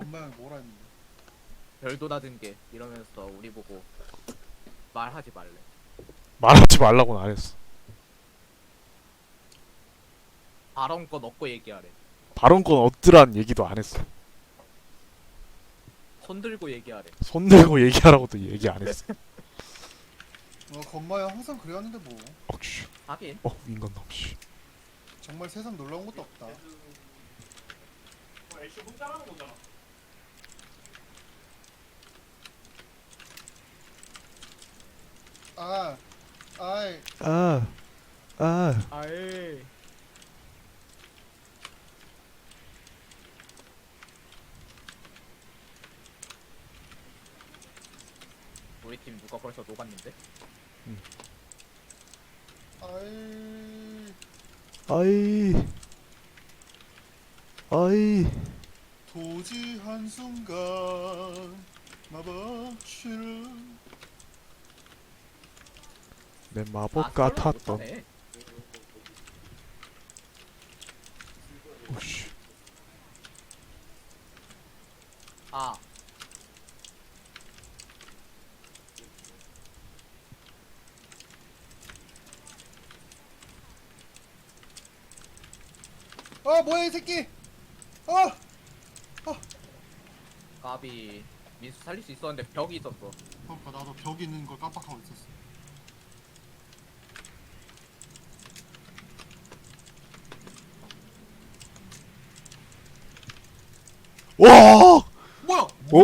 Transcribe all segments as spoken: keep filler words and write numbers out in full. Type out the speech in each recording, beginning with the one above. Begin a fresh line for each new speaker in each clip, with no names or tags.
건마 형이 뭐라 했는데?
별도 낮은 게 이러면서 우리 보고 말하지 말래.
말하지 말라고는 안 했어.
발언권 얻고 얘기하래.
발언권 얻으란 얘기도 안 했어.
손 들고 얘기하래.
손 들고 얘기하라고도 얘기 안 했어.
어 건마 형 항상 그래왔는데 뭐
억슈.
하긴
어 인간놈 씨.
정말 세상 놀라운 것도 없다. 아, 아이,
아, 아.
아이. 우리 팀 누가 벌써 녹았는데?
아이,
아이, 아이.
도지 한순간 마법치는
내
아,
마법
설마
같았던.
못하네.
오씨.
아,
아 뭐야 이 새끼! 아!
까비. 민수 살릴 수 있었는데 벽이 있었어.
그러니까 나도 벽 있는 걸 깜빡하고 있었어.
와!
뭐야?
어?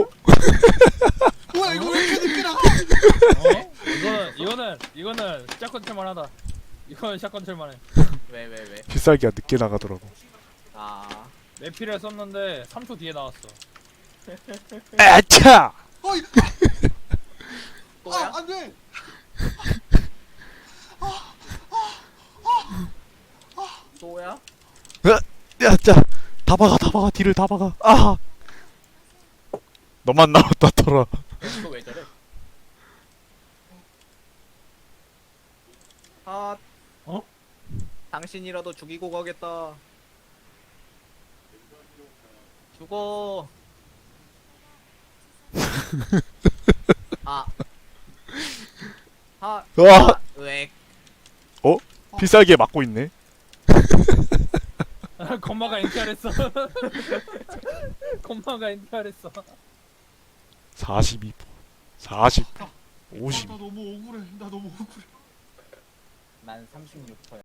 뭐야 이거 왜 이렇게 늦게 나가?
어? 이거는 이거는 이거는 샷건 칠만하다. 이거는 샷건 칠만해.
왜, 왜, 왜?
필살기가 늦게 나가더라고.
아,
내피를 썼는데 삼 초 뒤에 나왔어.
아차!
어이!
또야?
아 안돼!
또야?
야, 자, 다 박아, 다 박아, 뒤를 다 박아. 아! 너만 나왔다, 털어.
이거 왜 저래? 아,
어?
당신이라도 죽이고 가겠다. 죽어. 아, 아,
와!
아, 왜?
필살기에 맞고 있네.
건마가 엔티알했어. 건마가 엔티알했어.
사십이 퍼. 사십.
아,
오십.
나 너무 억울해. 나 너무 억울해.
난 삼십육 퍼야.